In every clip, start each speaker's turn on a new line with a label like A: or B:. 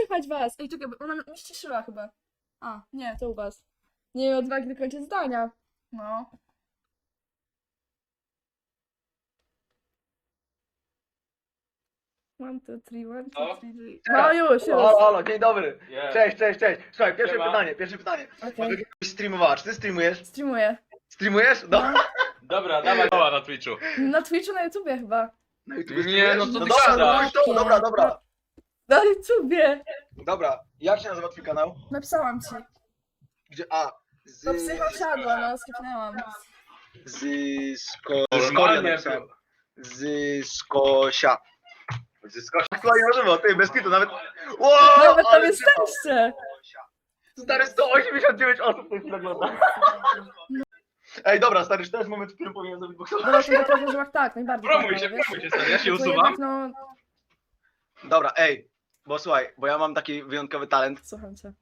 A: słychać was. Ej, czekaj, bo ona mnie ściszyła chyba. A, nie, to u was. Nie miałem odwagi dokończyć zdania. No. One, two, three, one, two,
B: O.
A: three, three.
C: Teraz.
A: No już.
C: Halo, dzień dobry.
B: Yeah.
C: Cześć. Słuchaj, pierwsze
B: Siema.
C: pytanie.
A: Okej.
C: Może kiedyś streamowała, czy ty streamujesz?
A: Streamuję.
C: Streamujesz? No.
A: No.
B: Dobra, dawaj koła na Twitchu.
A: Na Twitchu, na YouTubie chyba.
C: Na YouTube
B: Nie,
C: streamujesz?
B: no to ty
C: dobra,
B: gadasz.
C: dobra.
A: Na YouTubie.
C: Dobra, jak się nazywa twój kanał?
A: Napisałam ci.
C: Gdzie,
A: No psycho siadła, no skipnęłam.
B: Normalnie,
C: Zyskosia.
B: Zyskosia.
C: Słuchaj, nie możemy, ty, bez kitu, nawet...
A: Nawet tam
C: ale
A: jesteście.
C: Stary, 189 osób w tej chwili ogląda. Ej, dobra, stary, czy to jest moment, w którym powinien zrobić
A: Dobra,
C: boksować?
A: to na że tak, najbardziej.
B: Promuj się, stary, ja się usuwam.
A: No,
C: Dobra, ej, bo słuchaj, bo ja mam taki wyjątkowy talent.
A: słucham cię.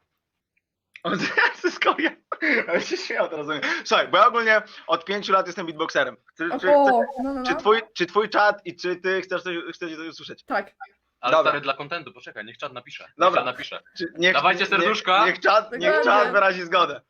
C: Zyskoja. Ale się śmiał teraz. Słuchaj, bo ja ogólnie od 5 lat jestem beatboxerem. Czy twój czat i czy ty chcesz coś usłyszeć?
A: Tak.
B: Ale
C: Dobra.
B: stary, dla kontentu, poczekaj, niech czat napisze. Niech
C: Dobra.
B: czat napisze.
C: Dawajcie
B: serduszka.
C: Niech czat
A: Dokładnie.
C: wyrazi zgodę.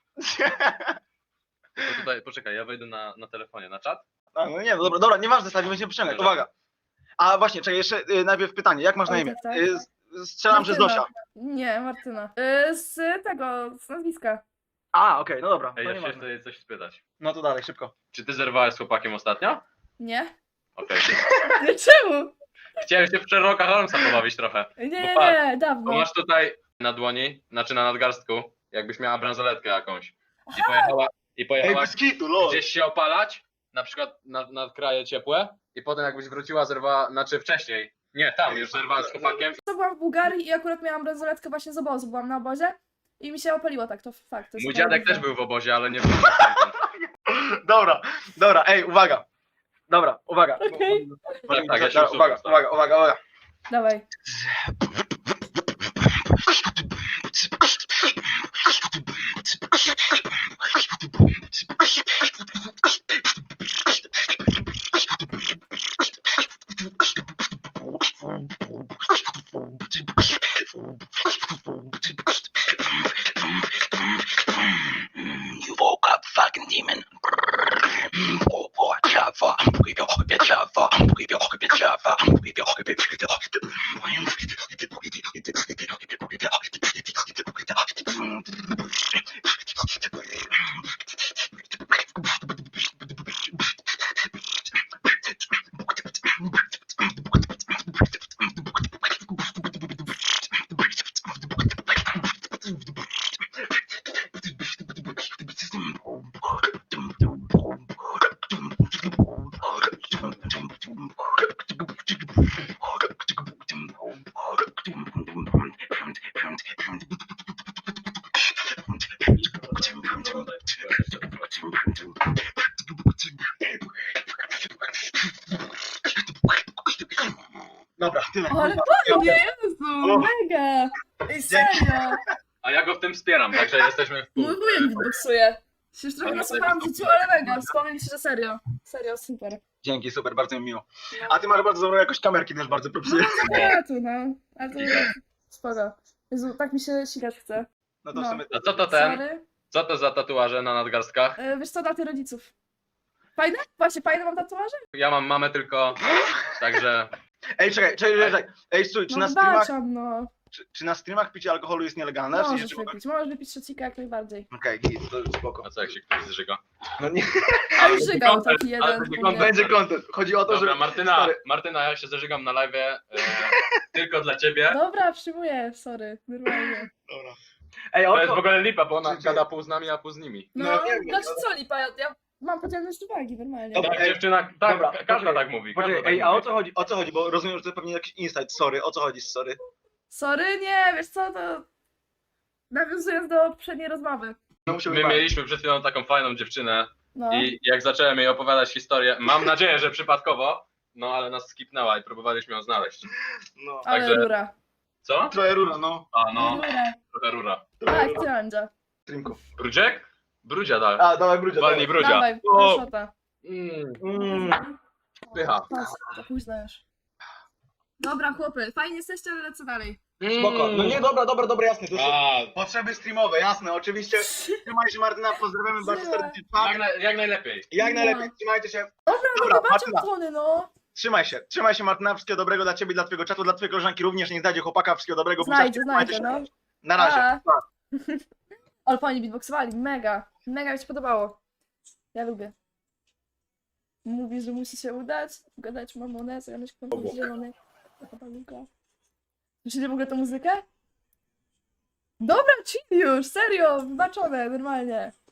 B: To tutaj, poczekaj, ja wejdę na telefonie, na czat.
C: A, no nie, no dobra, nieważne, stawimy się przyciągać.
B: Dobra.
C: Uwaga. A właśnie, czekaj, jeszcze najpierw pytanie, jak masz na
A: Oj,
C: imię?
A: tak.
C: Strzelam, że
A: Martyna.
C: Zosia.
A: Nie, Martyna. Z tego, z nazwiska.
C: A, okej, no dobra.
B: Ej,
C: to
B: ja się
C: nieważne.
B: chcę coś spytać.
C: No to dalej, szybko.
B: Czy ty zerwałeś z chłopakiem ostatnio?
A: Nie?
B: Okej.
A: Nie, czemu?
B: Chciałem się w Sherlocka Holmesa pobawić trochę.
A: Nie,
B: No patrz,
A: nie,
B: Bo
A: dawno.
B: masz tutaj na dłoni, znaczy na nadgarstku, jakbyś miała bransoletkę jakąś. I
C: Ej,
B: pojechałaś
C: bez kitu, lol.
B: gdzieś się opalać, na przykład na kraje ciepłe, i potem jakbyś wróciła, zerwała, znaczy wcześniej. Nie, tam już zerwałem z chłopakiem.
A: To byłam w Bułgarii i akurat miałam bransoletkę właśnie z obozu. Byłam na obozie i mi się opaliło tak, to fakt. To jest
B: Mój
A: chyba
B: dziadek
A: różne.
B: też był w obozie, ale nie był.
C: Dobra, ej, uwaga. Dobra, uwaga.
A: Okej.
B: Tak, ja się
C: Dobra,
B: usuwam.
C: uwaga.
A: Dawaj.
C: You woke up, fucking demon. Java. Dobra, tyle.
A: Ale fajnie, Jezu, mega. Ej, serio.
B: A ja go w tym wspieram, także jesteśmy w pół.
A: Mój wujek beatboxuje. Się już trochę nasłuchałam w życiu, ale mega. Wspomnę ci, że serio. Serio, super.
C: Dzięki, super, bardzo mi miło. A ty masz bardzo dobrą jakość kamerki, też bardzo propsuję.
A: Ja tu, no. Ale to spoko. Jezu, tak mi się sikać chce.
C: No to w
A: No.
C: sumie...
B: A co to ten?
A: Sorry.
B: Co to za tatuaże na nadgarstkach?
A: Wiesz co, daty rodziców. Fajne? Właśnie, fajne mam tatuaże?
B: Ja mam mamę tylko, także
C: Ej, czekaj. Ej, stój, czy
A: No
C: na streamach...
A: wybaczam, no.
C: Czy na streamach picie alkoholu jest nielegalne?
A: Możesz
C: Czy-
A: wypić, możesz wypić trzecika jak najbardziej.
C: Okej, git, to już spoko.
B: a co jak się ktoś zżyga?
C: No nie,
A: A już żygał
B: content,
A: taki
B: ale
A: jeden.
B: będzie
A: u mnie.
B: content.
C: będzie content. Chodzi o to,
B: Dobra,
C: że...
B: Martyna,
C: Stary,
B: Martyna, ja się zażygam na live tylko dla ciebie.
A: Dobra, przyjmuję, sorry, normalnie.
C: dobra. Ej,
B: To jest w
C: o
B: ogóle lipa, bo ona
C: Czy-
B: gada pół z nami, a pół z nimi.
A: No,
C: No, nie wiem,
A: znaczy
C: no.
A: co lipa, ja mam podzielność uwagi, normalnie.
C: Dobra,
B: Tak,
C: ej,
B: dziewczyna, tak,
C: dobra,
B: każda
C: poczekaj,
B: tak mówi.
C: Poczekaj,
B: każda tak
C: ej, a
B: mówi.
C: o co chodzi? Bo rozumiem, że to pewnie jakiś insight, sorry. O co chodzi z sorry?
A: Sorry, nie, wiesz co, to... Nawiązując do poprzedniej rozmowy.
C: No musimy
B: My mieliśmy przed chwilą taką fajną dziewczynę
A: No.
B: i jak zacząłem jej opowiadać historię, mam nadzieję, że przypadkowo, no ale nas skipnęła i próbowaliśmy ją znaleźć.
C: No.
A: Ale
B: także-
A: rura.
B: Co?
C: Trochę rura, no.
B: A no,
A: Rura.
B: trochę rura.
A: Tak, ty Andzia.
C: Streamku.
B: Brudziek? Brudzia daj.
C: A, dawaj brudzia.
B: Walnij brudzia.
A: Dawaj,
B: O!
A: szota.
B: Mm,
C: Mm.
B: pycha.
A: Pas, to późno już. Dobra, chłopy, fajnie jesteście, ale lecę dalej.
C: Spoko. No nie, dobra, jasne. To są
B: A,
C: potrzeby streamowe, jasne, oczywiście. Trzymaj się, Martyna, pozdrawiamy bardzo serdecznie.
B: jak najlepiej.
C: Jak
A: No.
C: najlepiej, trzymajcie się.
A: Dobra,
C: Dobra,
A: no wybaczam
C: Martyna.
A: Tony, no.
C: Trzymaj się Martyna, wszystkiego dobrego dla ciebie, dla twojego czatu, dla twojej koleżanki również, niech znajdzie chłopaka, wszystkiego dobrego.
A: Znajdzie,
C: Trzymajcie się.
A: no.
C: Na razie.
A: Pa. Ale fajnie beatboxowali, mega. Mega mi się podobało. Ja lubię. Mówi, że musi się udać, gadać mamonę, zagrać kąpik zielony. Słyszycie w ogóle tę muzykę? Dobra, chill już, serio, wybaczone, normalnie.